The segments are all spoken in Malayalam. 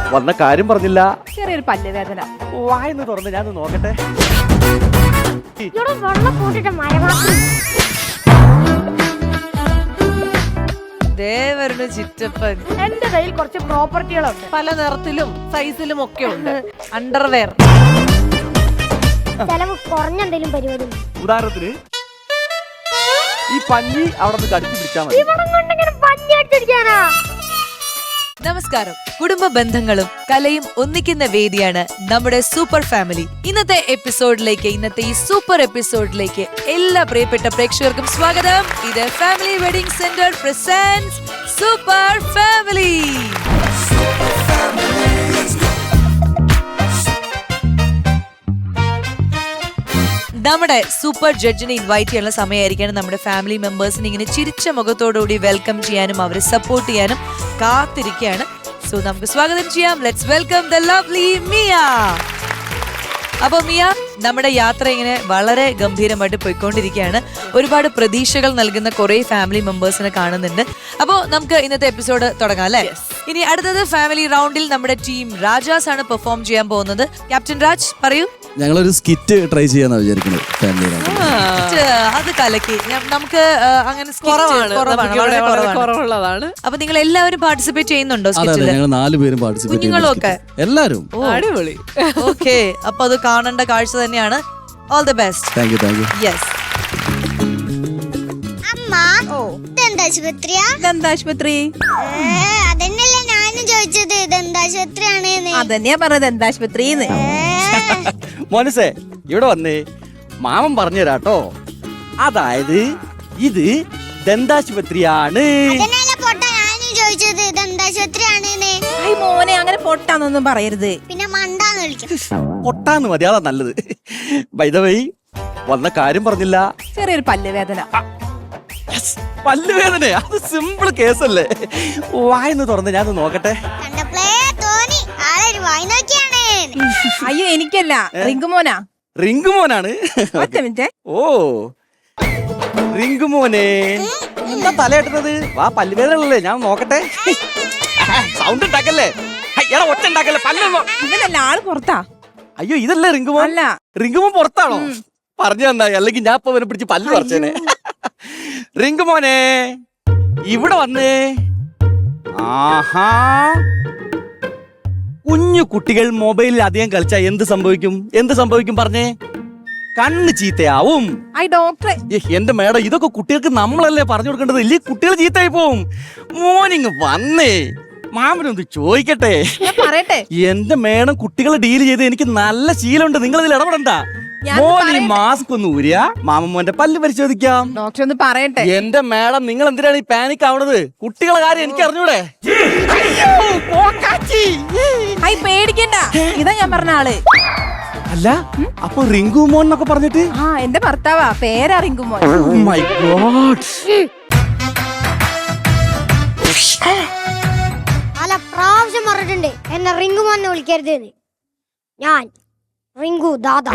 വന്ന കാര്യം പറഞ്ഞില്ല. ചെറിയൊരു പല്ല് വേദന. വായന്ന് തുറന്ന് ഞാൻ നോക്കട്ടെ. ചിറ്റപ്പൻ എന്റെ കയ്യിൽ കുറച്ച് പ്രോപ്പർട്ടികളുണ്ട്. പല നിറത്തിലും സൈസിലും ഒക്കെ ഉണ്ട്. അണ്ടർവെയർ. കുറഞ്ഞെന്തെങ്കിലും പരിപാടി. ഉദാഹരണത്തിന് ഈ പഞ്ഞി അവിടെ നിന്ന് കടിച്ചു പിടിച്ചാൽ മതി. നമസ്കാരം. കുടുംബ ബന്ധങ്ങളും കലയും ഒന്നിക്കുന്ന വേദിയാണ് നമ്മുടെ സൂപ്പർ ഫാമിലി. ഇന്നത്തെ ഈ സൂപ്പർ എപ്പിസോഡിലേക്ക് എല്ലാ പ്രിയപ്പെട്ട പ്രേക്ഷകർക്കും സ്വാഗതം. ഇത് family wedding centre presents super family. നമ്മുടെ സൂപ്പർ ജഡ്ജിനെ ഇൻവൈറ്റ് ചെയ്യാനുള്ള സമയമായിരിക്കണം. നമ്മുടെ ഫാമിലി മെമ്പേഴ്സിനെ ഇങ്ങനെ ചിരിച്ച മുഖത്തോടുകൂടി വെൽക്കം ചെയ്യാനും അവരെ സപ്പോർട്ട് ചെയ്യാനും കാത്തിരിക്കുകയാണ്. സോ നമുക്ക് സ്വാഗതം ചെയ്യാം. Let's welcome the lovely Mia. അപ്പൊ മിയ, നമ്മുടെ യാത്ര ഇങ്ങനെ വളരെ ഗംഭീരമായിട്ട് പോയിക്കൊണ്ടിരിക്കുകയാണ്. ഒരുപാട് പ്രതീക്ഷകൾ നൽകുന്ന കുറെ ഫാമിലി മെമ്പേഴ്സിനെ കാണുന്നുണ്ട്. അപ്പോൾ നമുക്ക് ഇന്നത്തെ എപ്പിസോഡ് തുടങ്ങാം അല്ലേ? ഇനി അടുത്തത് ഫാമിലി റൗണ്ടിൽ നമ്മുടെ ടീം രാജാസ് ആണ് പെർഫോം ചെയ്യാൻ പോകുന്നത്. ക്യാപ്റ്റൻ രാജ് പറയൂ. ഞങ്ങളൊരു സ്കിറ്റ് ട്രൈ ചെയ്യാന്നാ വിചാരിക്കുന്നത് ഫാമിലി റൗണ്ടിൽ. അത് കലക്കി. നമുക്ക് അങ്ങനെ കുറവുള്ളതാണ്. അപ്പൊ നിങ്ങൾ എല്ലാവരും പാർട്ടിസിപ്പേറ്റ് ചെയ്യുന്നുണ്ടോ? ഞങ്ങൾ 4 പേരും പാർട്ടിസിപ്പേറ്റ് കുഞ്ഞുങ്ങളൊക്കെ എല്ലാരും. അടിപൊളി. ഓക്കെ, അപ്പൊ അത് കാണേണ്ട കാഴ്ച തന്നെയാണ്. All the best. Thank you. Yes. ദന്താശുപത്രി. അതന്നെയല്ലേ ഞാനും ചോദിച്ചത്. ദന്താശുപത്രിയാണ്. അതന്നെയാ പറഞ്ഞത്, ദന്താശുപത്രിന്ന്. മോനസേ, ഇവിടെ വന്നേ. മാമൻ പറഞ്ഞു തരാട്ടോ. അതായത് ഇത് ദന്താശുപത്രിയാണ്. ചോദിച്ചത് ദന്താശുപത്രിയാണ്. മോനെ, അങ്ങനെ പൊട്ടാന്നൊന്നും പറയരുത്. പിന്നെ മണ്ടാന്ന് വിളിക്കും. പൊട്ടാന്ന് മതി, അതാ നല്ലത്. ബൈ ദ വേ, വന്ന കാര്യം പറഞ്ഞില്ല. ചെറിയൊരു പല്ല് വേദന. പല്ലുവേദന അത് സിമ്പിൾ കേസല്ലേ. വായന്ന് തുറന്ന് ഞാൻ നോക്കട്ടെ. അയ്യോ, എനിക്കല്ല, റിങ്കുമോനാ. റിങ്കുമോനാണ്. ഓ, റിങ്കുമോനെ എന്താ തലയിട്ടത്? വാ, പല്ലുവേദനല്ലേ, ഞാൻ നോക്കട്ടെ. സൗണ്ട് ഉണ്ടാക്കല്ലേ, ഒറ്റ ഉണ്ടാക്കല്ലേ. ഇവനല്ല, ആള് പുറത്താ. അയ്യോ, ഇതല്ലേ റിങ്കുമോൻ? അല്ല, റിങ്കുമോൻ പുറത്താണോ? പറഞ്ഞു തന്നായി, അല്ലെങ്കിൽ ഞാൻ ഇപ്പൊ പിടിച്ച് പല്ല് പറിച്ചേനെ. റിങ്കുമോനെ ഇവിടെ വന്നേ. ആഹാ, കുഞ്ഞു കുട്ടികൾ മൊബൈലിൽ അധികം കളിച്ചാൽ എന്ത് സംഭവിക്കും പറഞ്ഞേ? കണ്ണ് ചീത്തയാവും. ഡോക്ടറെ. എന്റെ മേഡം, ഇതൊക്കെ കുട്ടികൾക്ക് നമ്മളല്ലേ പറഞ്ഞു കൊടുക്കേണ്ടത്, ഇല്ലേ കുട്ടികൾ ചീത്തയായി പോവും. മോർണിംഗ് വന്നേ, മാമനൊന്ന് ചോദിക്കട്ടെ. പറയട്ടെ. എന്റെ മേഡം, കുട്ടികളെ ഡീൽ ചെയ്ത് എനിക്ക് നല്ല ശീലമുണ്ട്. നിങ്ങൾ ഇതിൽ ഇടപെടണ്ട. മോനി മാസ്ക് ഒന്ന് ഊരിയ മാമന്റെ പല്ല് പരിശോധിക്കാം. ഡോക്ടർ ഒന്ന് പറയട്ടെ. എന്റെ മേഡം, നിങ്ങൾ എന്തിനാണ് ഈ പാനിക് ആവണത്? കുട്ടികളെ കാര്യം എനിക്ക് അറിഞ്ഞൂടെ? പേടിക്കണ്ട, ഇതാ ഞാൻ പറഞ്ഞ ആള്. അല്ല, അപ്പൊ റിങ്കുമോൻ എന്നൊക്കെ പറഞ്ഞിട്ട്? എന്റെ ഭർത്താവാ, പേരാ റിങ്കുമോൻ. My God. പല പ്രാവശ്യം പറഞ്ഞിട്ടുണ്ട് എന്നെ റിങ്കുമോനെ വിളിക്കരുത്. ഞാൻ റിങ്കു ദാദാ.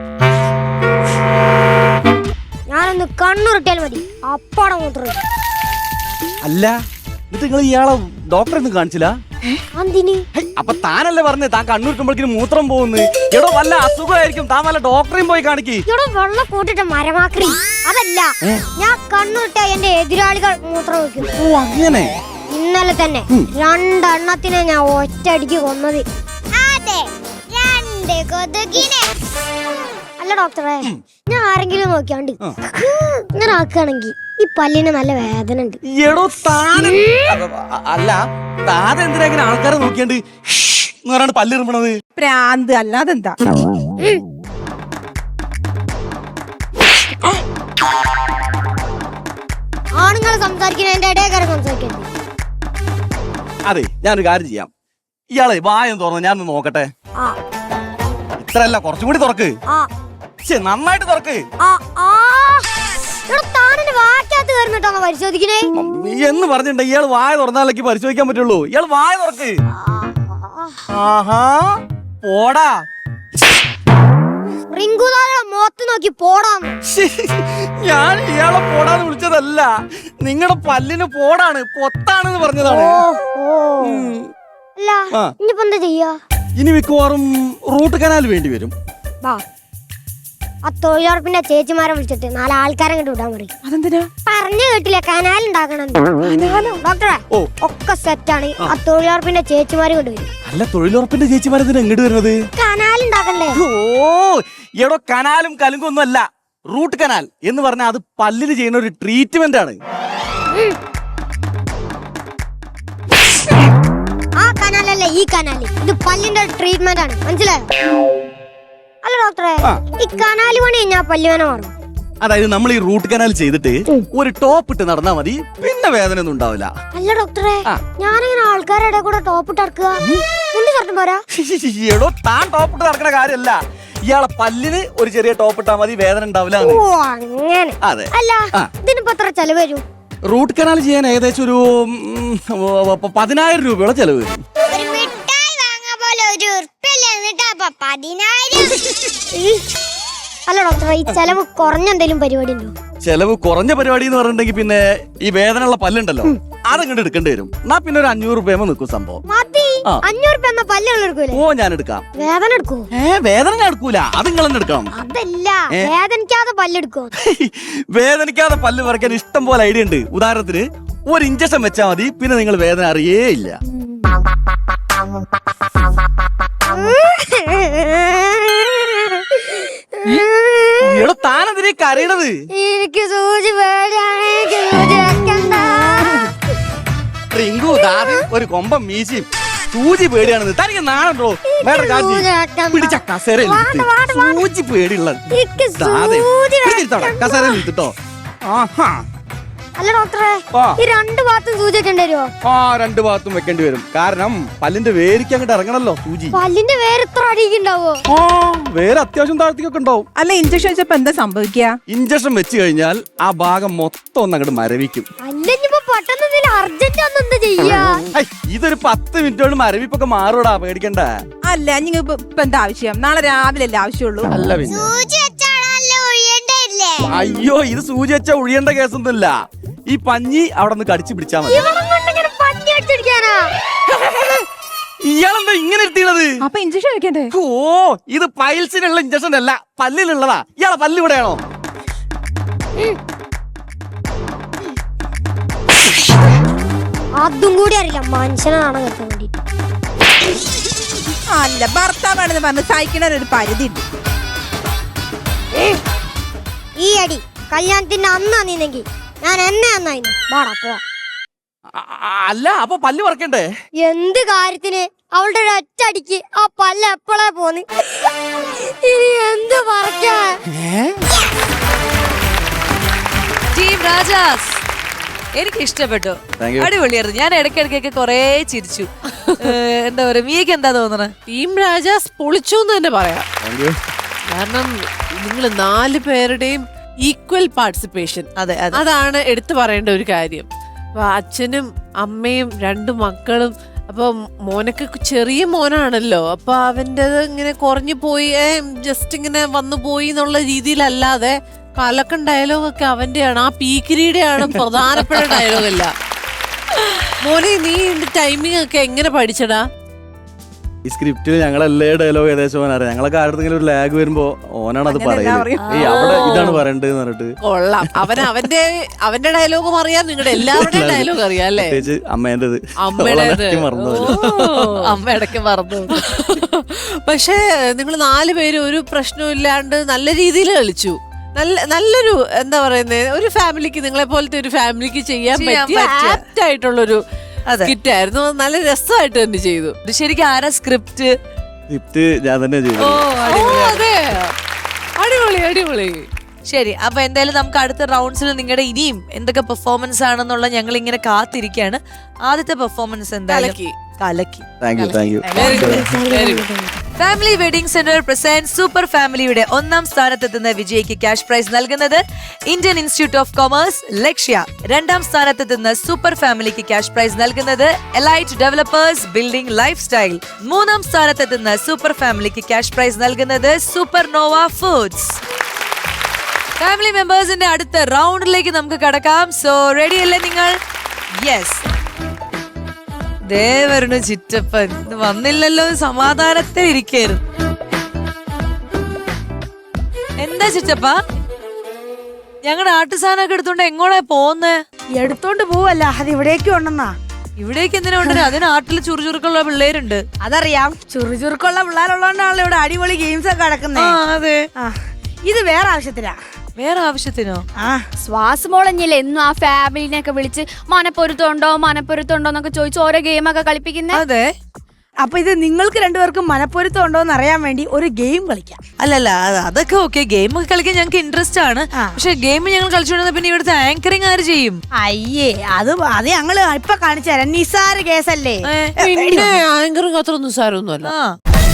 ഞാനൊന്ന് കണ്ണുരുട്ടിയാൽ മതി, അപ്പാടെ മൂത്രം. അല്ല, എന്നിട്ട് നിങ്ങൾ ഇയാളെ ഡോക്ടറെ ഒന്നും കാണിച്ചില്ല? അപ്പൊ താനല്ലേ പറഞ്ഞേ താൻ കണ്ണുരുട്ടുമ്പോഴേക്കും മൂത്രം പോകുന്നു? എടോ, വല്ല അസുഖമായിരിക്കും, താൻ വല്ല ഡോക്ടറെയും പോയി കാണിക്ക്. വെള്ളം കൂട്ടിട്ട് മരമാക്കി. അതല്ല, ഞാൻ കണ്ണുരുട്ട എന്റെ എതിരാളികൾ മൂത്രം വയ്ക്കും. ഓ, അങ്ങനെ. ഇന്നലെ തന്നെ 2 എണ്ണത്തിനെ ഞാൻ ഒറ്റയടിക്ക് കൊന്നത്. അതെ, 2 കൊതുകിനെ. അല്ല ഡോക്ടറെ, ഞാൻ ആരെങ്കിലും നോക്കിയാണ്ട് ഇങ്ങനെ ആക്കുകയാണെങ്കിൽ ഈ പല്ലിന് നല്ല വേദന ഉണ്ട്. എടോ, അല്ല, താൻ എന്തിനാ ഇങ്ങനെ ആൾക്കാരെ നോക്കിയാണ്ട് പറയാണ്ട് പല്ലിറുമ്പണത്? പ്രാന്ത് അല്ലാതെന്താ. ആണുങ്ങൾ സംസാരിക്കുന്നതിന്റെ ഇടയിൽ സംസാരിക്കരുത്. അതെ, ഞാനൊരു കാര്യം ചെയ്യാം. ഇയാളെ വായം തുറന്ന് ഞാൻ നോക്കട്ടെ. ഇത്രല്ല, കുറച്ചും കൂടി തുറക്ക്. നന്നായിട്ട് തുറക്ക്. എന്ന് പറഞ്ഞിട്ടുണ്ടെങ്കിൽ ഇയാൾ വായ തുറന്നാലേക്ക് പരിശോധിക്കാൻ പറ്റുള്ളൂ. ഇയാൾ വായ തുറക്ക്. ആഹാ, പോടാ. മുഖത്ത് നോക്കി പോടാന്ന്. ഞാൻ ഇയാളെ പോടാന്ന് വിളിച്ചതല്ല, നിങ്ങളുടെ പല്ലിന് പോടാണ്, പൊത്താണെന്ന് പറഞ്ഞതാണ്. അല്ല, ഇനിയിപ്പോ എന്താ ചെയ്യാ? ഇനി മിക്കവാറും റൂട്ട് കനാൽ വേണ്ടി വരും. വാ, ആ തൊഴിലുറപ്പിന്റെ ചേച്ചിമാരെ വിളിച്ചിട്ട് 4 ആൾക്കാരെ കണ്ടു വിടാൻ പറയും. അതെന്തിനാ? പറഞ്ഞു കേട്ടില്ല, കനാൽ ഉണ്ടാക്കണം. ഡോക്ടറെ ഓ. ഒക്കെ സെറ്റാണ്. ആ തൊഴിലുറപ്പിന്റെ ചേച്ചിമാര് കൊണ്ടുവരും. അല്ല, തൊഴിലുറപ്പിന്റെ ചേച്ചിമാരെന്തിനാ എങ്ങോട്ട് വരുന്നത്? കനാൽ ഉണ്ടാക്കണ്ടേ? ഓ, എടോ കനാലും കലുങ്കും ഒന്നും അല്ല. റൂട്ട് കനാൽ എന്ന് പറഞ്ഞാൽ അത് പല്ലിന് ചെയ്യുന്ന ഒരു ട്രീറ്റ്മെന്റ് ആണ്. ആ കനാലല്ല, ഈ കനാല്. ഇത് പല്ലിന്റെ ട്രീറ്റ്മെന്റ് ആണ്, മനസ്സിലായോ? അല്ല ഡോക്ടറെ, ഈ കനാല് പണി ഞാൻ പല്ലുവേന മാറും. അതായത് നമ്മൾ ഈ റൂട്ട് കനാൽ ചെയ്തിട്ട് ഒരു ടോപ്പ് ഇട്ട് നടന്നാ മതി, പിന്നെ വേദന ഒന്നും ഉണ്ടാവില്ല. അല്ല ഡോക്ടറെ, ഞാനിങ്ങനെ ആൾക്കാരുടെ കൂടെ ടോപ്പ് ഇട്ട് നടക്കുക, ഷർട്ടും പോരാ? എടോ, താൻ ടോപ്പ് ഇട്ട് നടക്കുന്ന കാര്യമല്ല, ഇയാളെ പല്ലിന് ഒരു ചെറിയ ടോപ്പ് ഇട്ടാ മതി, വേദന ഉണ്ടാവില്ല. ഓ അങ്ങനെ. അതെ. അല്ല, ഇതിനിപ്പോ എത്ര ചെലവ് വരും? റൂട്ട് കനാൽ ചെയ്യാൻ ഏകദേശം ഒരു 10,000 രൂപയോളം ചെലവ് വരും. ഒരു മിഠായി വാങ്ങാൻ പോലെ ഒരു ഉറുപ്പില്ല, എന്നിട്ടാ 10,000. അല്ല ഡോക്ടറെ, ഈ ചെലവ് കുറഞ്ഞ എന്തെങ്കിലും പരിപാടി ഉണ്ടോ? ചെലവ് കുറഞ്ഞ പരിപാടി എന്ന് പറഞ്ഞിട്ടുണ്ടെങ്കിൽ പിന്നെ ഈ വേദനയുള്ള പല്ലുണ്ടല്ലോ, അതങ്ങോട്ട് എടുക്കേണ്ടി വരും. എന്നാ പിന്നെ ഒരു 500 രൂപ നിൽക്കും സംഭവം. മതി, 500 രൂപ എന്നാ പല്ലുള്ള എടുക്കൂലേ? ഓ, ഞാൻ എടുക്കാം. വേദന എടുക്കൂ? വേദന ഞാൻ എടുക്കൂല, അത് നിങ്ങൾ തന്നെ എടുക്കണം. അതല്ല, വേദനിക്കാതെ പല്ലെടുക്കോ? വേദനിക്കാതെ പല്ല് പറിക്കാൻ ഇഷ്ടം പോലെ ഐഡിയ ഉണ്ട്. ഉദാഹരണത്തിന് ഒരു ഇഞ്ചക്ഷൻ വെച്ചാൽ മതി, പിന്നെ നിങ്ങൾ വേദന അറിയേ ഇല്ല. എടോ, താനെതിരെ കരയണത്? എനിക്ക് സൂചി പേടിയാണ്, എനിക്ക് സൂചി വെക്കണ്ട. റിങ്കു, ദാദി ഒരു കൊമ്പം മീശയും സൂചി പേടിയാണെന്ന് തനിക്ക് നാണുണ്ടോ? വേറെ പിടിച്ച കസേരയിൽ സൂചി പേടിയുള്ള കസേരയിൽ ഇട്ടോ. ആഹാ. അല്ല ഡോക്ടറെ, ഈ 2 ഭാഗത്തും സൂചി വെക്കേണ്ടി വരുമോ? 2 ഭാഗത്തും വെക്കേണ്ടി വരും. കാരണം പല്ലിന്റെ വേരിക്ക് അങ്ങോട്ട് ഇറങ്ങണല്ലോ സൂചി. പല്ലിന്റെ വേര് ഇത്ര അടിക്കുണ്ടാവോ? വേറെ അത്യാവശ്യം താഴ്ത്തിക്കൊക്കെ ഉണ്ടാവും. അല്ല, ഇഞ്ചക്ഷൻ വെച്ചപ്പോ എന്താ സംഭവിക്കുക? ഇഞ്ചക്ഷൻ വെച്ച് കഴിഞ്ഞാൽ ആ ഭാഗം മൊത്തം ഒന്ന് അങ്ങോട്ട് മരവിക്കും. അല്ലെങ്കിപ്പോ പെട്ടെന്ന് അർജന്റ് ഒന്ന് എന്താ ചെയ്യാ? ഇതൊരു 10 മിനിറ്റോട് മരവിപ്പൊക്കെ മാറൂടാ, പേടിക്കണ്ട. അല്ല, നിങ്ങൾക്ക് ഇപ്പൊ എന്താ ആവശ്യം? നാളെ രാവിലെ അല്ലേ ആവശ്യമുള്ളൂ? അല്ല പിന്നെ സൂചി വെച്ചാണല്ലോ ഒഴിയണ്ടല്ലേ? അയ്യോ, ഇത് സൂചി വെച്ചാ ഒഴിയേണ്ട കേസൊന്നുമില്ല. ഈ പഞ്ഞി അവിടെ നിന്ന് കടിച്ചു പിടിച്ചാ മതി. ഇയാളെന്താ ഇങ്ങനെ എത്തിയത്? അപ്പൊ ഇഞ്ചക്ഷൻ വെക്കണ്ടേ? ഓ, ഇത് പൈൽസിനുള്ള ഇഞ്ചക്ഷൻ അല്ല, പല്ലിനുള്ളതാ. ഇയാളെ പല്ല് ഇവിടെയാണോ? അതും കൂടി അറിയില്ല, മനുഷ്യനാണ് കേൾക്കാൻ വേണ്ടി. അല്ല, ഭർത്താവാണെന്ന് പറഞ്ഞ് സഹിക്കണ ഒരു പരിധി ഉണ്ട്. ഈ അടി കല്യാണത്തിന്റെ അന്ന് അന്നിന്നെങ്കിൽ ഞാൻ എന്നെ അന്നായിരുന്നു. വാടാ പോവാ. അല്ല, അപ്പൊ പല്ല് പറിക്കണ്ടേ? എന്ത് കാര്യത്തിന്? അവളുടെ ഒരു ഒറ്റടിക്ക് ആ പല്ല് എപ്പോഴേ പോന്ന്. ഇനി എന്ത് പറിക്കാ? ടീം രാജാസ്, എനിക്ക് ഇഷ്ടപ്പെട്ടു, Thank you. അടിപൊളിയായിരുന്നു. ഞാൻ ഇടയ്ക്കിടയ്ക്കൊക്കെ കൊറേ ചിരിച്ചു. എന്താ പറയാ, മീക്ക് എന്താ തോന്നണേ? ടീം രാജാസ് പൊളിച്ചു എന്ന് തന്നെ പറയാം. കാരണം നിങ്ങൾ 4 പേരുടെയും ഈക്വൽ പാർട്ടിസിപ്പേഷൻ, അതെ അതെ, അതാണ് എടുത്തു പറയേണ്ട ഒരു കാര്യം. അപ്പൊ അച്ഛനും അമ്മയും 2 മക്കളും, അപ്പൊ മോനൊക്കെ ചെറിയ മോനാണല്ലോ, അപ്പൊ അവൻ്റെ ഇങ്ങനെ കുറഞ്ഞു പോയി, ജസ്റ്റ് ഇങ്ങനെ വന്നു പോയി എന്നുള്ള രീതിയിലല്ലാതെ കലക്കൻ ഡയലോഗൊക്കെ അവന്റെയാണ്, ആ പീക്കിരിയുടെയാണ് പ്രധാനപ്പെട്ട ഡയലോഗല്ല. മോനെ, നീ ടൈമിംഗ് ഒക്കെ എങ്ങനെ പഠിച്ചടാ? ഈ സ്ക്രിപ്റ്റിൽ ഞങ്ങളെല്ലാ ഡയലോഗ് ഏകദേശം ഓനറിയാം. ഞങ്ങളൊക്കെ ആരുടെങ്കിലും ഒരു ലാഗ് വരുമ്പോ ഓനാണ് അത് പറയുന്നത്. അവിടെ ഇതാണ് പറയേണ്ടത് പറഞ്ഞിട്ട്. കൊള്ളാം. അവന്റെ ഡയലോഗും അറിയാം, നിങ്ങളുടെ എല്ലാവരുടെയും ഡയലോഗ് അറിയാം അല്ലേ? പ്രത്യേകിച്ച് അമ്മേന്റേത്. അമ്മ ഇടയ്ക്ക് മറന്നു. പക്ഷേ നിങ്ങൾ 4 പേര് ഒരു പ്രശ്നവും ഇല്ലാണ്ട് നല്ല രീതിയിൽ കളിച്ചു. നല്ലൊരു എന്താ പറയുന്നത്, ഒരു ഫാമിലിക്ക്, നിങ്ങളെ പോലത്തെ ഒരു ഫാമിലിക്ക് ചെയ്യാൻ പറ്റിയ ആപ്റ്റ് ആയിട്ടുള്ളൊരു സ്കിറ്റ് ആയിരുന്നു. നല്ല രസമായിട്ട് തന്നെ ചെയ്തു. ശരിക്കും ആരാ സ്ക്രിപ്റ്റ്? ഞാൻ തന്നെ ചെയ്തു. അതെ, അടിപൊളി അടിപൊളി. ശരി, അപ്പൊ എന്തായാലും നമുക്ക് അടുത്ത റൗണ്ട്സിൽ നിങ്ങളുടെ ഇനിയും എന്തൊക്കെ പെർഫോമൻസ് ആണെന്നുള്ള ഞങ്ങൾ ഇങ്ങനെ കാത്തിരിക്കുകയാണ്. ആദ്യത്തെ പെർഫോമൻസ് എന്തായാലും കലക്കി. Family wedding centre present super ഫാമിലിയുടെ 1ാം സ്ഥാനത്തെത്തുന്ന വിജയിക്ക് ക്യാഷ് പ്രൈസ് നൽകുന്നത് Indian institute of commerce Lakshya. 2ാം സ്ഥാനത്തെത്തുന്ന സൂപ്പർ ഫാമിലിക്ക് ക്യാഷ് പ്രൈസ് നൽകുന്നത് elite developers building lifestyle. 3ാം സ്ഥാനത്തെത്തുന്ന സൂപ്പർ ഫാമിലിക്ക് ക്യാഷ് പ്രൈസ് നൽകുന്നത് സൂപ്പർ നോവ ഫുഡ്സ്. ഫാമിലി മെമ്പേഴ്സിന്റെ അടുത്ത റൗണ്ടിലേക്ക് നമുക്ക് കടക്കാം. സോ റെഡി അല്ലേ നിങ്ങൾ? യെസ്. ദേ വരുന്നു ചിറ്റപ്പൻ. ഇത് വന്നില്ലല്ലോ, സമാധാനത്തെ ഇരിക്കായിരുന്നു. എന്താ ചിറ്റപ്പ, ഞങ്ങളുടെ ആട്ടുസാധനമൊക്കെ എടുത്തോണ്ട് എങ്ങോട്ടാ പോന്നേ? എടുത്തോണ്ട് പോവല്ല, അത് ഇവിടേക്ക് ഉണ്ടെന്നാ. ഇവിടേക്ക് എന്തിനാ കൊണ്ടുവരുന്നത്? അതിന് ആട്ടില് ചുറുചുറുക്കുള്ള പിള്ളേരുണ്ട്. അതറിയാം, ചുറുചുറുക്കുള്ള പിള്ളേരുള്ളതുകൊണ്ടാണല്ലോ ഇവിടെ അടിപൊളി ഗെയിംസ് ഒക്കെ നടക്കുന്നത്. അതെ. ഇത് വേറെ ആവശ്യത്തിനാ. വേറെ ആവശ്യത്തിനോ? ശ്വാസമോളഞ്ഞില്ലേ എന്നും ആ ഫാമിലിനെയൊക്കെ വിളിച്ച് മനപ്പൊരുത്തമുണ്ടോ എന്നൊക്കെ ചോദിച്ച് ഓരോ ഗെയിമൊക്കെ കളിപ്പിക്കുന്നേ. അതെ. അപ്പൊ ഇത് നിങ്ങൾക്ക് രണ്ടുപേർക്കും മനപ്പൊരുത്തം ഉണ്ടോ എന്ന് അറിയാൻ വേണ്ടി ഒരു ഗെയിം കളിക്കാം. അല്ലല്ല, അതൊക്കെ ഓക്കെ. ഗെയിം ഒക്കെ കളിക്കാൻ ഞങ്ങൾക്ക് ഇൻട്രസ്റ്റ് ആണ്. പക്ഷെ ഗെയിം ഞങ്ങൾ കളിച്ചുകൊണ്ടിരുന്ന പിന്നെ ഇവിടുത്തെ ആങ്കറിങ് ആര് ചെയ്യും? അയ്യേ, അത് ഞങ്ങള് ഇപ്പൊ കാണിച്ചു തരാം. നിസാര കേസല്ലേ. പിന്നെ ആങ്കറും അത്രയൊന്നും സാരമൊന്നുമല്ല. ആ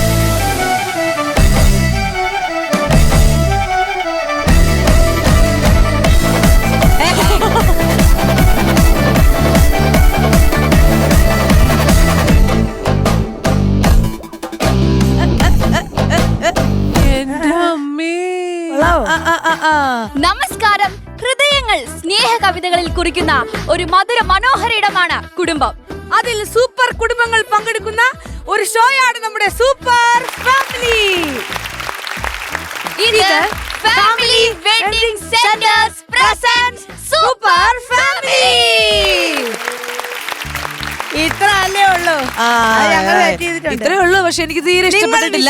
എന്റെ അമ്മേ. നമസ്കാരം. ഹൃദയങ്ങൾ സ്നേഹ കവിതകളിൽ കുറിക്കുന്ന ഒരു മധുര മനോഹര ഇടമാണ് കുടുംബം. അതിൽ സൂപ്പർ കുടുംബങ്ങൾ പങ്കെടുക്കുന്ന ഒരു ഷോയാണ് നമ്മുടെ സൂപ്പർ ഫാമിലി. ഇത് family wedding centres presents super family. ഇത്ര അല്ലേ ഉള്ളൂ. അത് ഞങ്ങൾ set ചെയ്തിട്ടുണ്ട്. ഇത്രേ ഉള്ളൂ. പക്ഷെ എനിക്ക് തീരെ ഇഷ്ടപ്പെട്ടിട്ടില്ല.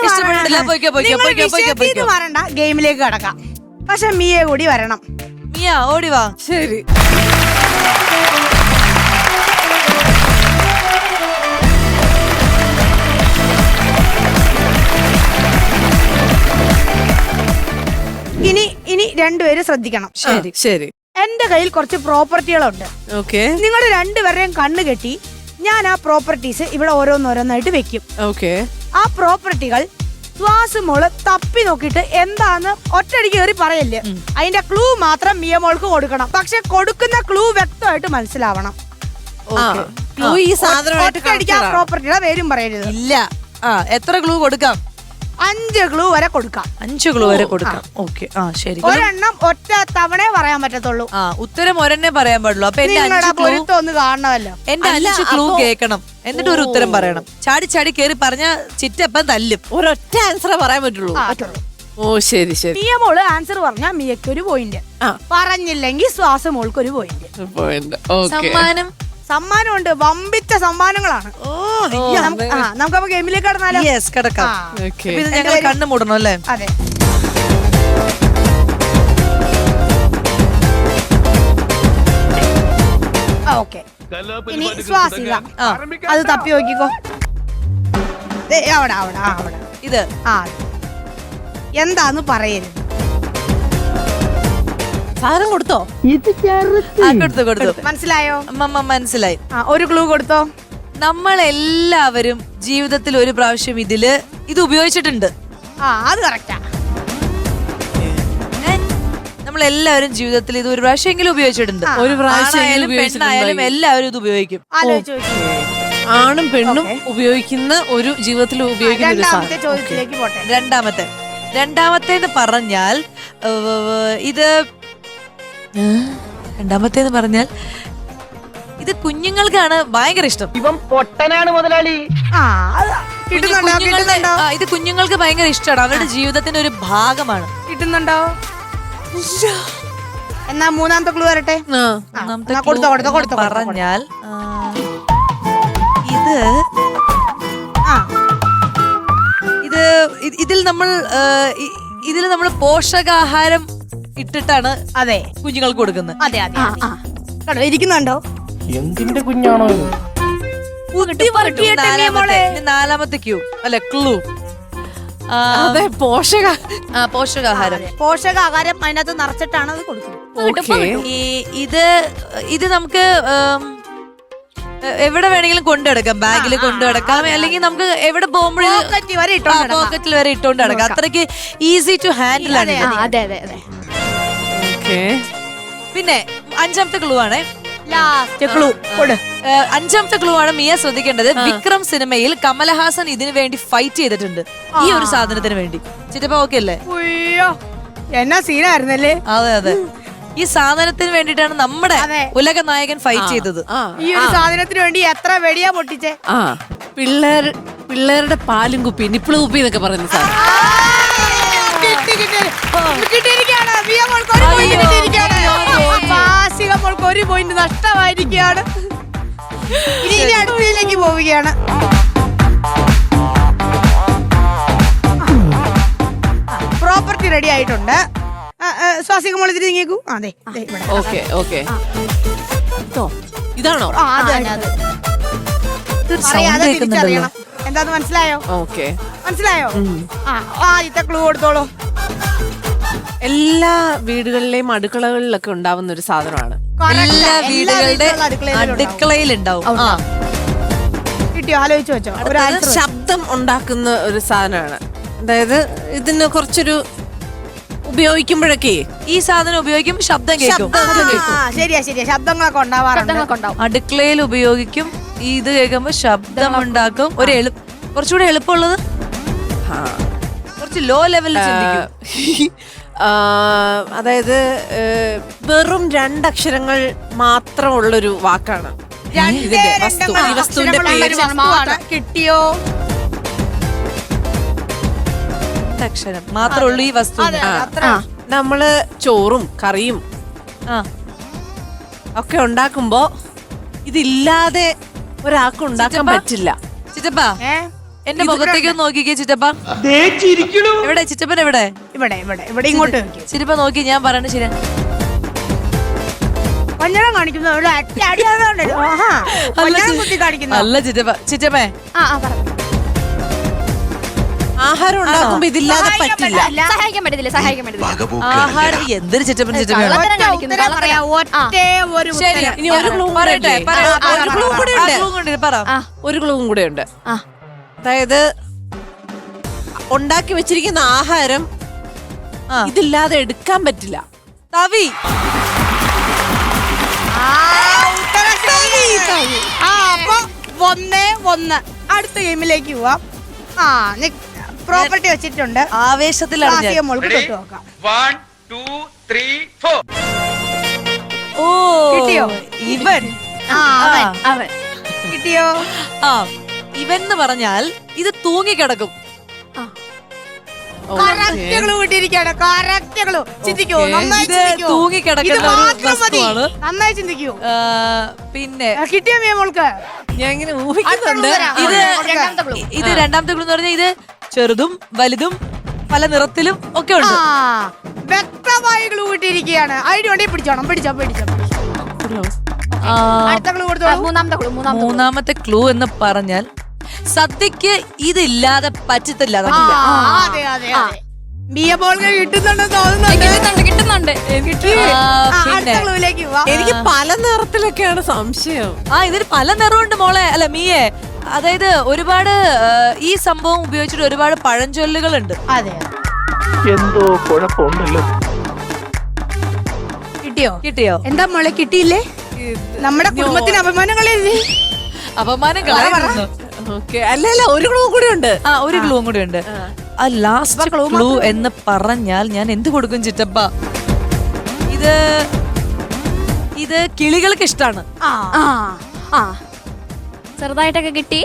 വരണ്ട, ഗെയിമിലേക്ക് കടക്കാം. പക്ഷെ മിയെ കൂടി വരണം. മിയ ഓടി വാ. ശരി. ഇനി രണ്ടുപേരും ശ്രദ്ധിക്കണം. ശരി ശരി. എന്റെ കയ്യിൽ കുറച്ച് പ്രോപ്പർട്ടികളുണ്ട്. ഓക്കെ നിങ്ങൾ രണ്ടുപേരെയും കണ്ണു കെട്ടി ഞാൻ ആ പ്രോപ്പർട്ടീസ് ഇവിടെ ഓരോന്നോരോന്നായിട്ട് വെക്കും. ഓക്കെ. ആ പ്രോപ്പർട്ടികൾ ശ്വാസമോള് തപ്പി നോക്കിയിട്ട് എന്താന്ന് ഒറ്റയടിക്ക് കയറി പറയല്ലേ. അതിന്റെ ക്ലൂ മാത്രം മിയമോൾക്ക് കൊടുക്കണം. പക്ഷെ കൊടുക്കുന്ന ക്ലൂ വ്യക്തമായിട്ട് മനസ്സിലാവണം. ഈ സാധനമായിട്ട് ഒറ്റയടിക്ക് ആ പ്രോപ്പർട്ടിയുടെ പേരും പറയരുത്. ഇല്ല. എത്ര ക്ലൂ കൊടുക്കാം? 5 ക്ലൂ വരെ കൊടുക്കാം. 5 ക്ലൂ വരെ കൊടുക്കാം. ഓക്കെ. ശരി. ഒരെണ്ണം ഒറ്റ തവണ പറയാൻ പറ്റത്തുള്ളൂ. ഉത്തരം ഒരെണ്ണേ പറയാൻ പാടുള്ളൂ. അപ്പൊ എന്റെ 5 ക്ലൂ ഒന്ന് കാണണമല്ലോ. എന്റെ 5 ക്ലൂ കേൾക്കണം. എന്നിട്ട് ഒരു ഉത്തരം പറയണം. ചാടി ചാടി കേറി പറഞ്ഞ ചിറ്റപ്പം തല്ലും. ഒരൊറ്റ ആൻസറേ പറയാൻ പറ്റുള്ളൂ. ഓ ശരി ശരി. മിയമോള് ആൻസർ പറഞ്ഞാൽ മിയക്ക് ഒരു പോയിന്റ്. പറഞ്ഞില്ലെങ്കിൽ ശ്വാസമോൾക്ക് ഒരു പോയിന്റ്. സമ്മാനമുണ്ട്. വമ്പിച്ച സമ്മാനങ്ങളാണ്. നമുക്കപ്പോ ഗെയിമിലേക്ക് കടന്നാലോ? യെസ്, കിടക്കാം. ഇത് ഞങ്ങൾ കണ്ണു മൂടണം അല്ലേ? അതെ. ഓക്കെ. ഇനി ശ്വാസിക അത് തപ്പി നോക്കിക്കോ. അവിടെ ഇത് എന്താന്ന് പറയരുത്. സാധനം കൊടുത്തോ? കൊടുത്തു. മനസ്സിലായോ? മനസ്സിലായി. ഒരു ക്ലൂ കൊടുത്തോ. നമ്മളെല്ലാവരും ജീവിതത്തിൽ ഒരു പ്രാവശ്യം ഇത് ഉപയോഗിച്ചിട്ടുണ്ട്. അത് കറക്റ്റാ. നമ്മളെല്ലാവരും ജീവിതത്തിൽ ഇത് ഒരു പ്രാവശ്യമെങ്കിലും ഉപയോഗിച്ചിട്ടുണ്ട്. ഒരു പ്രാവശ്യം പെണ്ണായാലും എല്ലാവരും ഇത് ഉപയോഗിക്കും. ആണും പെണ്ണും ഉപയോഗിക്കുന്ന ഒരു ജീവിതത്തിൽ ഉപയോഗിക്കുന്ന ഒരു സാധനം. ചോദ്യത്തിലേക്ക് പോട്ടെ. രണ്ടാമത്തേന്ന് പറഞ്ഞാൽ ഇത് കുഞ്ഞുങ്ങൾക്കാണ് ഭയങ്കര ഇഷ്ടം. ഇവൻ പൊട്ടനാണ് മുതലാളി. ഇത് കുഞ്ഞുങ്ങൾക്ക് ഭയങ്കര ഇഷ്ടമാണ്. അവരുടെ ജീവിതത്തിന്റെ ഒരു ഭാഗമാണ്. കിട്ടുന്നുണ്ടോ? എന്നാ മൂന്നാമത്തെ ക്ലൂ വരട്ടെ. കൊടുത്തോ. പറഞ്ഞാൽ ഇതിൽ നമ്മൾ പോഷകാഹാരം ഇട്ടിട്ടാണ് അതെ കുഞ്ഞുങ്ങൾക്ക് കൊടുക്കുന്നത്. അതെ ഇരിക്കുന്നുണ്ടോ? എന്തിന്റെ കുഞ്ഞാണോ? നാലാമത്തെ ക്യൂ അല്ല ക്ലൂ. അതെ, പോഷകാഹാരം. പോഷകാഹാരം അതിനകത്ത് നിറച്ചിട്ടാണ് അത് കൊടുക്കുന്നത്. ഇത് നമുക്ക് എവിടെ വേണമെങ്കിലും കൊണ്ടുനടക്കാം. ബാഗിൽ കൊണ്ടുനടക്കാം, അല്ലെങ്കിൽ നമുക്ക് എവിടെ പോകുമ്പോഴും പോക്കറ്റിൽ വരെ ഇട്ടോണ്ട് നടക്കാം. അത്രയ്ക്ക് ഈസി ടു ഹാൻഡിൽ ആണ്. പിന്നെ അഞ്ചാമത്തെ ക്ലൂ ആണ്. അഞ്ചാമത്തെ ക്ലൂ ആണ് മിയ ശ്രദ്ധിക്കേണ്ടത്. വിക്രം സിനിമയിൽ കമലഹാസൻ ഇതിനു വേണ്ടി ഫൈറ്റ് ചെയ്തിട്ടുണ്ട്, ഈ ഒരു സാധനത്തിന് വേണ്ടി. ചിറ്റപ്പ ഓക്കെ അല്ലേ? എന്നാ സീനായിരുന്നല്ലേ. അതെ. ഈ സാധനത്തിന് വേണ്ടിയിട്ടാണ് നമ്മുടെ അതെ. ഉലക നായകൻ ഫൈറ്റ് ചെയ്തത്. ആ ഈ ഒരു സാധനത്തിന് വേണ്ടി എത്ര വെടിയാ പൊട്ടിച്ചേ. ആ പിള്ളേരുടെ പാലും കുപ്പി നിപ്പിള് കുപ്പി എന്നൊക്കെ പറയുന്ന സാധനം. കിട്ടിയിരിക്കുകയാണ്. മിയ മോൾക്ക് ഒരു point കിട്ടിയിരിക്കുകയാണ്. വാസിക മോൾക്ക് ഒരു പോയിന്റ് നഷ്ടമായിരിക്കുകയാണ്. ഇനി അടുത്തതിലേക്ക് പോവുകയാണ്. പ്രോപ്പർട്ടി റെഡി ആയിട്ടുണ്ട്. സ്വാസിക മോൾ ഇതിന് നീങ്ങിക്കൂ. അതെ ഓക്കെ ഓക്കെ ഇതാണോ? ഇതൊരു sound കേൾക്കുന്നുണ്ടല്ലോ. എന്താന്ന് മനസ്സിലായോ? ഓക്കെ മനസ്സിലായോ? ആദ്യത്തെ ക്ലൂ കൊടുത്തോളൂ. എല്ലാ വീടുകളിലെയും അടുക്കളകളിലൊക്കെ ഉണ്ടാവുന്ന ഒരു സാധനമാണ്. എല്ലാ വീടുകളുടെ അടുക്കളയിൽ ഉണ്ടാവും. കിട്ടിയോ? ആലോചിച്ച് വെച്ചോ. ഒരു അത് ശബ്ദം ഉണ്ടാക്കുന്ന ഒരു സാധനമാണ്. അതായത് ഇതിന് കുറച്ചൊരു ഉപയോഗിക്കുമ്പോഴൊക്കെ ഈ സാധനം ഉപയോഗിക്കും, ശബ്ദം കേൾക്കും. ശരിയാ ശബ്ദങ്ങളൊക്കെ ഉണ്ടാവാറുണ്ട്. അടുക്കളയിൽ ഉപയോഗിക്കും. ഇത് കേൾക്കുമ്പോ ശബ്ദം ഉണ്ടാക്കും. കുറച്ചുകൂടെ എളുപ്പമുള്ളത് കുറച്ച് ലോ ലെവലിൽ ചിന്തിക്കും. അതായത് വെറും 2 അക്ഷരങ്ങൾ മാത്രമുള്ളൊരു വാക്കാണ് ഇതിന്റെ വസ്തു. ഈ വസ്തുവിന്റെ പേര് കിട്ടിയോ? അക്ഷരം മാത്രമേ ഉള്ളൂ ഈ വസ്തു. നമ്മള് ചോറും കറിയും ഒക്കെ ഉണ്ടാക്കുമ്പോ ഇതില്ലാതെ ഒരാൾക്ക് ഉണ്ടാക്കാൻ പറ്റില്ല. ചിറ്റപ്പ എന്റെ മുഖത്തേക്ക് നോക്കിക്കേ ചിറ്റപ്പ. എവിടെ ചിറ്റപ്പൻ? എവിടെ? ഇവിടെ ഇങ്ങോട്ട് ചിറ്റപ്പ നോക്കി, ഞാൻ പറയണ ശരി. പഞ്ഞളം കാണിക്കുന്നു. അല്ല ചിറ്റപ്പേ ആഹാരം ഉണ്ടാക്കുമ്പോ ഇതില്ലാതെ പറ്റില്ല. സഹായിക്കാൻ പറ്റത്തില്ല. ആഹാരം എന്തൊരു ചിറ്റപ്പൻ ചിറ്റപ്പ. ശരി, ഇനി ഒരു ക്ലൂ പറയട്ടെ. ഒരു ക്ലൂവും കൂടെ ഉണ്ട്. അതായത് ഉണ്ടാക്കി വെച്ചിരിക്കുന്ന ആഹാരം ഇതില്ലാതെ എടുക്കാൻ പറ്റില്ല. തവി. അപ്പൊ 1-1. അടുത്ത ഗെയിമിലേക്ക് പോവാം. പ്രോപ്പർട്ടി വെച്ചിട്ടുണ്ട്. ആവേശത്തിലാണ് ഞാൻ. മോൾക്ക് തൊട്ട് നോക്കാം. 1 2 3 4. ഓ കിട്ടിയോ? ഇവൻ. അവൻ കിട്ടിയോ? ഇവൻ എന്ന് പറഞ്ഞാൽ ഇത് തൂങ്ങിക്കിടക്കും. കറക്റ്റ് ക്ലൂ കിട്ടിയിരിക്കുകയാണ്. Correct clue. ചിന്തിക്കൂ, നന്നായി ഇത് ചിന്തിക്കൂ. തൂങ്ങിക്കിടക്കുന്ന ഇത് ഒരു മാത്രം മതി. വസ്തുവാണ്. നന്നായി ചിന്തിക്കൂ. പിന്നെ കിട്ടിയോ മിയ മോൾക്ക്? ഞാൻ ഇങ്ങനെ ഊഹിക്കുന്നുണ്ട്. ഇത് രണ്ടാമത്തെ ക്ലൂ എന്ന് പറഞ്ഞാൽ ഇത് ചെറുതും വലുതും പല നിറത്തിലും ഒക്കെ ഉണ്ട്. വ്യക്തമായ ക്ലൂ കിട്ടിയിരിക്കുകയാണ്. ഐഡിയ ഉണ്ടെങ്കിൽ പിടിച്ചോ. അടുത്ത ക്ലൂ കൊടുത്തോളൂ. മൂന്നാമത്തെ ക്ലൂ എന്ന് പറഞ്ഞാൽ സദ്യക്ക് ഇതില്ലാതെ പറ്റത്തില്ല. അതെ. മിയ മോൾക്ക് കിട്ടുന്നുണ്ടെന്ന് തോന്നുന്നുണ്ട്. കിട്ടുന്നുണ്ട്. അടുത്ത ക്ലൂവിലേക്ക് പോവാം. എനിക്ക് പല നിറത്തിലൊക്കെയാണ് സംശയം. ഇതിന് പല നിറമുണ്ട് മോളെ. അല്ല മിയെ, അതായത് ഒരുപാട് ഈ സംഭവം ഉപയോഗിച്ചിട്ട് ഒരുപാട് പഴഞ്ചൊല്ലുകളുണ്ട്. അതെ. എന്തോ കുഴപ്പമുണ്ടല്ലോ. കിട്ടിയോ? എന്താ മോളെ കിട്ടിയില്ലേ? നമ്മുടെ കുടുംബത്തിന് അപമാനങ്ങളെ. അപമാനം കളയുന്നു. ഓക്കെ. അല്ല ഒരു ക്ലൂ കൂടി ഉണ്ട്. ഒരു ക്ലൂ കൂടി ഉണ്ട്. ആ ലാസ്റ്റ് ക്ലൂ എന്ന് പറഞ്ഞാൽ ഞാൻ എന്ത് കൊടുക്കും ചിറ്റപ്പ? ഇത് കിളികൾക്ക് ഇഷ്ടാണ്. ചെറുതായിട്ടൊക്കെ കിട്ടി.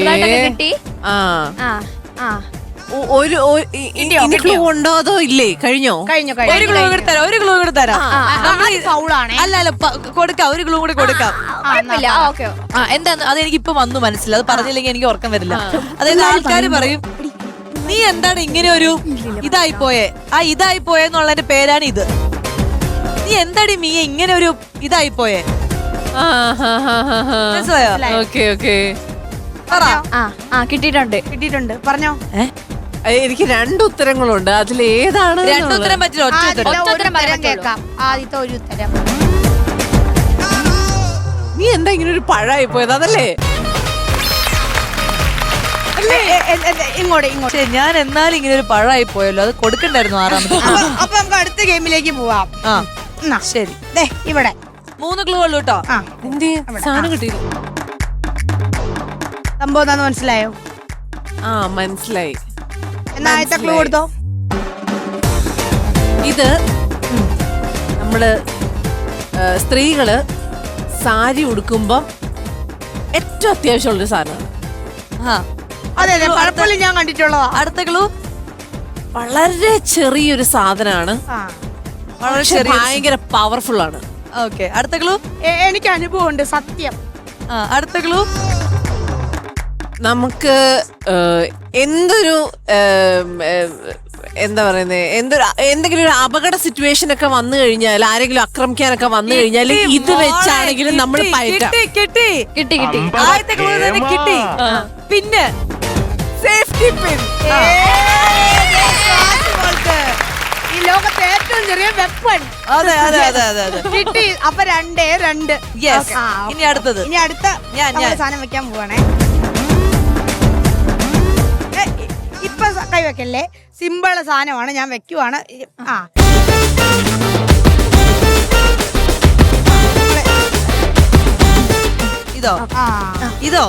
ഒരു ക്ലൂ ഉണ്ടോ അതോ ഇല്ലേ? കഴിഞ്ഞോ? ഒരു ക്ലൂ കൂടി തരാം. അല്ല കൊടുക്കാം. ഒരു ക്ലൂ കൂടി കൊടുക്കാം. എന്താന്ന് അതെനിക്ക് ഇപ്പൊ വന്നു മനസ്സിലായി. അത് പറഞ്ഞില്ലെങ്കിൽ എനിക്ക് ഉറക്കം വരില്ല. അതായത് ആൾക്കാര് പറയും, നീ എന്താണ് ഇങ്ങനെ ഒരു ഇതായി പോയെന്നുള്ളതിന്റെ പേരാണ് ഇത്. നീ എന്താടി മീയ ഇങ്ങനെ ഒരു ഇതായി പോയേ? മനസ്സിലായോ? കിട്ടിയിട്ടുണ്ട്. പറഞ്ഞോ. എനിക്ക് 2 ഉത്തരങ്ങളുണ്ട്. അതിലേതാണ്? 2 ഉത്തരം പറ്റില്ല. ഒറ്റ ഉത്തരം കേൾക്കാം. ആദ്യത്തെ ഒരു ഉത്തരം. നീ എന്താ ഇങ്ങനെ ഒരു പഴായി പോയത്? അതല്ലേ? ഇങ്ങോട്ട്. ഞാൻ എന്നാലും ഇങ്ങനെ ഒരു പഴമായി പോയല്ലോ. അത് കൊടുക്കണ്ടായിരുന്നു 6ാമത്തെ. അപ്പൊ നമുക്ക് അടുത്ത ഗെയിമിലേക്ക് പോവാം. ശരി. ഇവിടെ 3 ക്ലൂ ഉള്ളൂ കേട്ടോ. സാധനം കിട്ടി. സംഭവം എന്താന്ന് മനസ്സിലായോ? മനസ്സിലായി. എന്നാ ആദ്യത്തെ ക്ലൂ കൊടുത്തോ. ഇത് നമ്മള് സ്ത്രീകള് സാരി ഉടുക്കുമ്പം ഏറ്റവും അത്യാവശ്യമുള്ളൊരു സാധനമാണ്. ആ അതെ അതെ പലപ്പോഴും ഞാൻ കണ്ടിട്ടുള്ളതാ. അടുത്ത ക്ലൂ വളരെ ചെറിയൊരു സാധനമാണ്, വളരെ പക്ഷെ ചെറിയ. ഭയങ്കര പവർഫുൾ ആണ്. ഓക്കെ, അടുത്ത ക്ലൂ. എനിക്ക് അനുഭവമുണ്ട് സത്യം. അടുത്ത ക്ലൂ. നമുക്ക് എന്തൊരു എന്താ പറയുന്നത്, എന്തെങ്കിലും ഒരു അപകട സിറ്റുവേഷൻ ഒക്കെ വന്നു കഴിഞ്ഞാൽ, ആരെങ്കിലും ആക്രമിക്കാനൊക്കെ വന്നു കഴിഞ്ഞാൽ ഇത് വെച്ചാണെങ്കിലും നമ്മൾ പയറ്റാം. കിട്ടി. ആദ്യത്തെ ക്ലൂ തന്നെ കിട്ടി. പിന്നെ സേഫ്റ്റി പിൻ. ഈ ലോകത്തെ ഏറ്റവും ചെറിയ വെപ്പൺ അതെ അതെ അതെ അതെ അതെ. കിട്ടി. അപ്പൊ 2-2. യെസ്. ഇനി അടുത്തത്. ഇനി അടുത്ത ഞാൻ. സാധനം വെക്കാൻ പോവാണേ. ഇപ്പൊ കൈവെക്കല്ലേ, സിമ്പിള് സാധനമാണ്, ഞാൻ വെക്കുവാണ്. ഇതോ അയ്യോ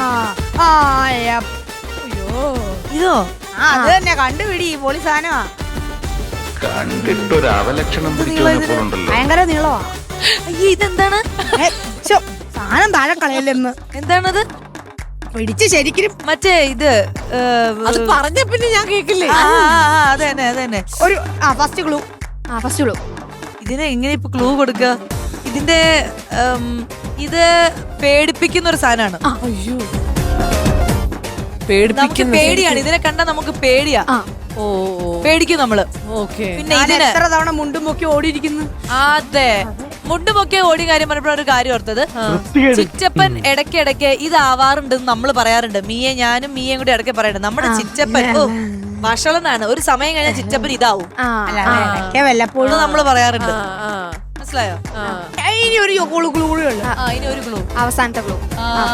ഇതോ അത് തന്നെ കണ്ടുപിടി. പൊളി സാധനമാ, കണ്ടിട്ടൊരു അവലക്ഷണം പിടിച്ചോണ്ടല്ലോ. ഭയങ്കര നീളമാ. അയ്യേ, ഇതെന്താണ്? സാധനം താഴെ കളയല്ലെന്ന്. എന്താണത്? പിടിച്ച് ശരിക്കും മറ്റേ ഇത് അത് പറഞ്ഞ പിന്നെ ഞാൻ കേക്കില്ലേ. അതെ തന്നെ അതെ തന്നെ. ഒരു ഫസ്റ്റ് ക്ലൂ. First clue. ഇതിനെ എങ്ങനെ ഇപ്പൊ ക്ലൂ കൊടുക്ക? ഇതിന്റെ ഇത് പേടിപ്പിക്കുന്ന ഒരു സാധനമാണ്. അയ്യോ, നമുക്ക് പേടിപ്പിക്കുന്ന പേടിയാണ്. ഇതിനെ കണ്ടാ നമുക്ക് പേടിയാ. ഓ പേടിക്കും നമ്മള്. ഓക്കെ. പിന്നെ ഞാൻ ഇതിന് എത്ര തവണ മുണ്ടും പൊക്കി ഓടിയിരിക്കുന്നു. അതെ, മുണ്ടുമൊക്കെ ഓടി കാര്യം പറഞ്ഞപ്പോൾ ഒരു കാര്യം ഓർത്തത്, ചിറ്റപ്പൻ ഇടയ്ക്കിടയ്ക്ക് ഇതാവാറുണ്ടെന്ന് നമ്മൾ പറയാറുണ്ട്. ഞാനും മീയയും കൂടി ഇടയ്ക്ക് പറയാറുണ്ട്, നമ്മുടെ ചിറ്റപ്പൻ വഷളനാണ്, ഒരു സമയം കഴിഞ്ഞാൽ ചിറ്റപ്പൻ ഇതാവും വല്ലപ്പോഴും നമ്മള് പറയാറുണ്ട്. മനസ്സിലായോ? ഇനി ഒരു ക്ലൂ കൂടി ഉള്ളു. ഇനി ഒരു ക്ലൂ. അവസാനത്തെ ക്ലൂ.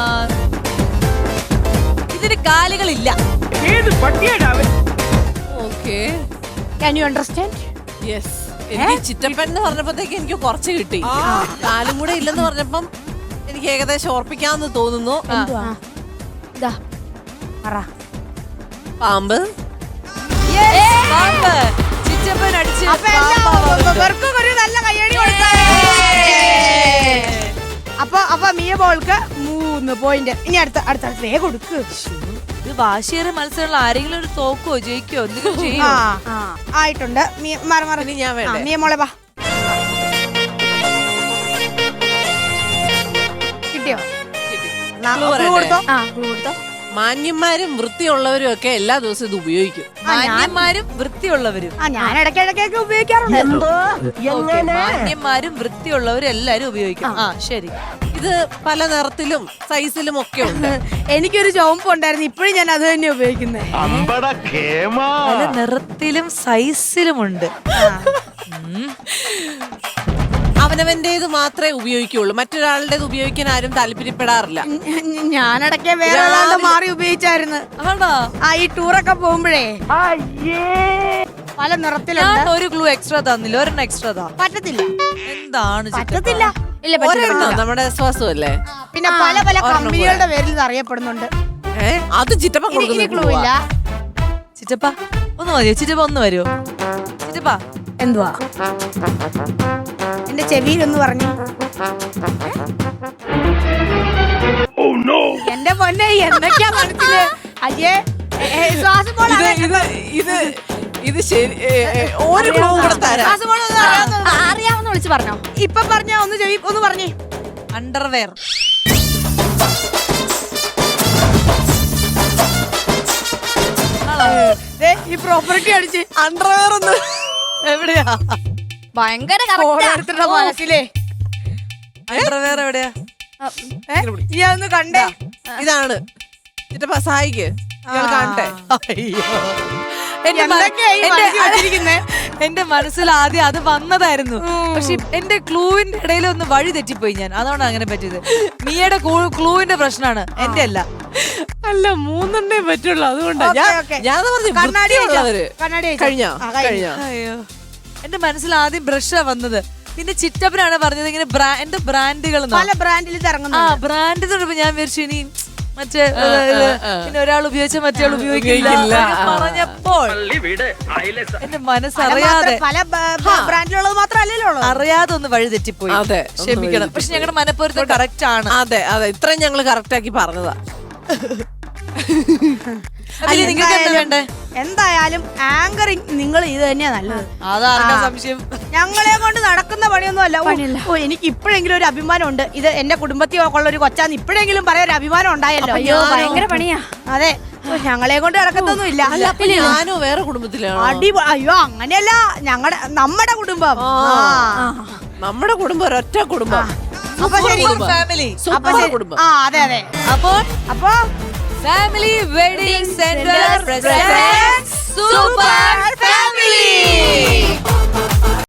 ഇതിന് കാലുകളില്ല. Okay. Can you understand? Yes. എനിക്ക് ചിറ്റപ്പൻ എന്ന് പറഞ്ഞപ്പോഴത്തേക്ക് എനിക്ക് കുറച്ച് കിട്ടി. കാലും കൂടെ ഇല്ലെന്ന് പറഞ്ഞപ്പം എനിക്ക് ഏകദേശം ഓർപ്പിക്കാന്ന് തോന്നുന്നു. പാമ്പ്. ചിറ്റപ്പൻ അടിച്ച് ഒരു നല്ല കയ്യടി കൊടുത്തേ. അപ്പൊ മിയ ബോൾക്ക് 3 പോയിന്റ്. ഇനി അടുത്ത വേഗം കൊടുക്ക്. ഇത് വാശിയേറെ മത്സരങ്ങൾ, ആരെങ്കിലും ഒരു തോക്കോ ജയിക്കോ എന്തെങ്കിലും ചെയ്യോ? ആയിട്ടുണ്ട്. ഇനി ഞാൻ വേണ്ടേ? മിയ മോളെ വാ. കിട്ടിയോ? കൊടുത്തോ. മാന്യന്മാരും വൃത്തിയുള്ളവരും ഒക്കെ എല്ലാ ദിവസവും ഇത് ഉപയോഗിക്കും. മാന്യന്മാരും വൃത്തിയുള്ളവരും. ഞാൻ ഇടയ്ക്കിടയ്ക്കൊക്കെ ഉപയോഗിക്കാറുണ്ട്. Okay, മാന്യന്മാരും വൃത്തിയുള്ളവരും എല്ലാരും ഉപയോഗിക്കും. ശരി. ഇത് പല നിറത്തിലും സൈസിലും ഒക്കെ ഉണ്ട്. എനിക്കൊരു ചുവപ്പ് ഉണ്ടായിരുന്നു, ഇപ്പോഴും ഞാൻ അത് തന്നെ ഉപയോഗിക്കുന്നത്. പല നിറത്തിലും സൈസിലുമുണ്ട്. അവനവന്റേത് മാത്രമേ ഉപയോഗിക്കുള്ളൂ, മറ്റൊരാളുടേത് ഉപയോഗിക്കാൻ ആരും താല്പര്യപ്പെടാറില്ല. ഞാനിടയ്ക്ക് വേറെ ആളുടെ മാറി ഉപയോഗിച്ചായിരുന്നു. ആണോ? ഈ ടൂറൊക്കെ പോകുമ്പോഴേ പല നിറത്തിലുണ്ട്. ഞാൻ ഒരു ക്ലൂ എക്സ്ട്രാ തന്നില്ല, ഒരെണ്ണം എക്സ്ട്രാ താ. പറ്റത്തില്ല. എന്താണ് പറ്റത്തില്ല. ഇല്ല, പറ്റില്ല. നമ്മുടെ ശ്വാസമല്ലേ. പിന്നെ പല പല കമ്പനികളുടെ പേരിൽ ഇത് അറിയപ്പെടുന്നുണ്ട്. അത് ചിറ്റപ്പൻ ക്ലൂ ഇല്ല. ചിറ്റപ്പ ഒന്ന് മതിയോ? ചിറ്റപ്പ ഒന്ന് വരുമോ? ചിറ്റപ്പ എന്തുവാ എന്റെ ചെവിയിൽ ഒന്ന് പറഞ്ഞു. എന്റെ പൊന്നെ, എന്തൊക്കെയാ മനസ്സില്? അയ്യേ, ശ്വാസം പോലെ ഇത് ശരി. ഒരു ക്ലൂ കൂടെ തരാം. അറിയാവുന്ന വിളിച്ച് പറഞ്ഞോ. ഇപ്പൊ പറഞ്ഞ ഒന്ന് പറഞ്ഞേ. അണ്ടർവെയർ. ഈ പ്രോപ്പർട്ടി അടിച്ച് അണ്ടർവെയർ ഒന്ന് എവിടെയാ? ഭയങ്കര മനസ്സിലേ. അണ്ടർവെയർ എവിടെയാ? ഞാൻ ഒന്ന് കണ്ടേ. ഇതാണ് ചിറ്റപ്പ, സഹായിക്ക്. കാണട്ടെ. എന്റെ മനസ്സിൽ ആദ്യം അത് വന്നതായിരുന്നു, പക്ഷെ എന്റെ ക്ലൂവിന്റെ ഇടയിൽ ഒന്ന് വഴി തെറ്റിപ്പോയി ഞാൻ, അതാണ് അങ്ങനെ പറ്റിയത്. മിയയുടെ ക്ലൂവിന്റെ പ്രശ്നമാണ്, എന്റെ അല്ല. അല്ല, 3 പറ്റുള്ളൂ, അതുകൊണ്ടാ ഞാൻ കണ്ണാടി കഴിഞ്ഞോ. അയ്യോ, എന്റെ മനസ്സിൽ ആദ്യം ബ്രഷാ വന്നത്. പിന്നെ ചിറ്റപ്പനാണ് പറഞ്ഞത് ഇങ്ങനെ എന്റെ ബ്രാൻഡുകൾ പല ബ്രാൻഡിൽ ഇറങ്ങുന്നു. ബ്രാൻഡ് തൊട്ടപ്പോ ഞാൻ വിചാരിച്ചു ഇനി മറ്റേ പിന്നെ ഒരാൾ ഉപയോഗിച്ച മറ്റേ ഉപയോഗിക്കില്ല എന്നൊക്കെ പറഞ്ഞപ്പോൾ എന്റെ മനസ്സറിയാതെ പല ബ്രാൻഡിലുള്ളത് മാത്രമല്ലല്ലോ ഉള്ളത്. അറിയാതെ ഒന്ന് വഴി തെറ്റിപ്പോയി. അതെ, ക്ഷമിക്കണം. പക്ഷെ ഞങ്ങളുടെ മനപ്പൊരുത്തം കറക്റ്റ് ആണ്. അതെ അതെ, ഇത്രയും ഞങ്ങള് കറക്റ്റ് ആക്കി പറഞ്ഞതാ. അതില് നിങ്ങൾക്ക് എന്താ വേണ്ടേ? എന്തായാലും ആങ്കറിങ് നിങ്ങൾ ഇത് തന്നെയാ നല്ലത്. അതാർക്കാ സംശയം? ഞങ്ങളെ കൊണ്ട് നടക്കുന്ന പണിയൊന്നും അല്ല. ഓ എനിക്ക് ഇപ്പോഴെങ്കിലും ഒരു അഭിമാനം ഉണ്ട്. ഇത് എന്റെ കുടുംബത്തിൽ ഉള്ള ഒരു കൊച്ചാന്ന് ഇപ്പോഴെങ്കിലും പറയാൻ ഒരു അഭിമാനം ഉണ്ടായല്ലോ. അയ്യോ ഭയങ്കര പണിയാ. അതെ, ഞങ്ങളെ കൊണ്ട് നടക്കത്തൊന്നും ഇല്ല. അല്ല, അപ്പൊ ഞാനോ വേറെ കുടുംബത്തിലാണോ? അയ്യോ അങ്ങനെയല്ല, നമ്മുടെ കുടുംബം. നമ്മുടെ കുടുംബം ഒരൊറ്റ കുടുംബം. അപ്പൊ ശരി, ഫാമിലി. അപ്പൊ ശരി. കുടുംബം. അതെ അതെ. അപ്പൊ family wedding centre presents super family.